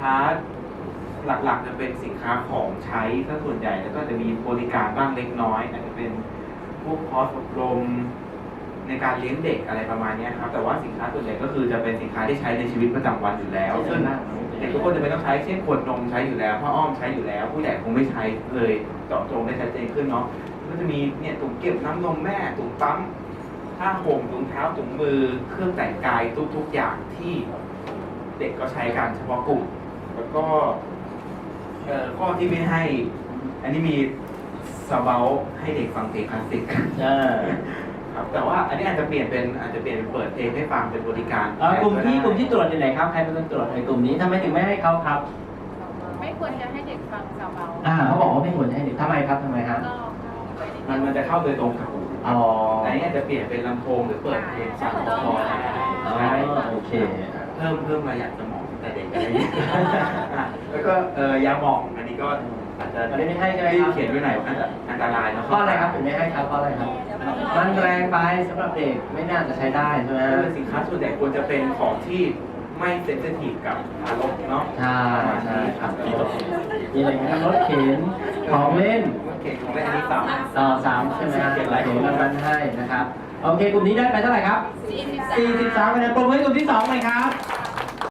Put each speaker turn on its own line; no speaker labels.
ค้าหลักๆจะเป็นสินค้าของใช้ซะส่วนใหญ่แล้วก็จะมีบริการบ้างเล็กน้อยอาจจะเป็นพวกคอร์สอบรมในการเลี้ยงเด็กอะไรประมาณนี้ครับแต่ว่าสินค้าส่วนใหญ่ก็คือจะเป็นสินค้าที่ใช้ในชีวิตประจำวันอยู่แล้วซึ่งเด็กทุกคนจะไม่ต้องใช้เช่นขวดนมใช้อยู่แล้วผ้าอ้อมใช้อยู่แล้วผู้ใหญ่คงไม่ใช้เลยเจาะจงได้ชัดเจนขึ้นเนาะก็จะมีเนี่ยถุงเก็บน้ำนมแม่ถุงปั๊มผ้าห่มถุงเท้าถุงมือเครื่องแต่งกายทุกๆอย่างที่เด็กก็ใช้กันเฉพาะกลุ่มแล้วก็ข้อที่ไม่ให้อันนี้มีซาเบาให้เด็กฟังเพลงคลาสสิกครับแต่ว่าอันนี้อาจจะเปลี่ยนเป็นเปิดเพลงให้ฟังเป็นบริการ
กลุ่มที่ตรวจอยู่ไหนครับใครเป็นคนตรวจในกลุ่มนี้ทำไมถึงไม่ให้เขาครับ
ไม่ควรจะให้เด็กฟังซาเบา
เขาบอกว่าไม่ควรจะให้เด็กทำไมครับทำไมครับ
มันจะเข้าโดยตรงกับหูอันนี้อาจจะเปลี่ยนเป็นลำโพงหรือเปิดเพลงฟังพอใช่
โอเค
เพิ่มระยะสมองแต่เด็กอะไรอย่างนี้แล้วก็ยาหมองอันนี้ก็อาจจะ
ไม่ให้ใช่ไหมครับ
เขียนไว้ไหนว่าอันตรายนะ
ข้ออะไรครับถึงไม่ให้ครับข้ออะไรครับมันแรงไปสำหรับเด็กไม่น่าจะใช้ได้ใช่ไหม
สินค้าส่วนใหญ่ควรจะเป็นของที่ไม่เซนซิทีฟกับอารมณ์เนาะ
ใช่ครับมีอะไรกันรถเข็นของเล่น
เข็นของเล่นอันนี้
ต่อ3ใช่ไหมครับเขียนรางวัลให้นะครับโอเคกลุ่มนี้ได้ไปเท่าไหร่ครับ43คะแนนปรบมือให้กลุ่มที่2เลยครับ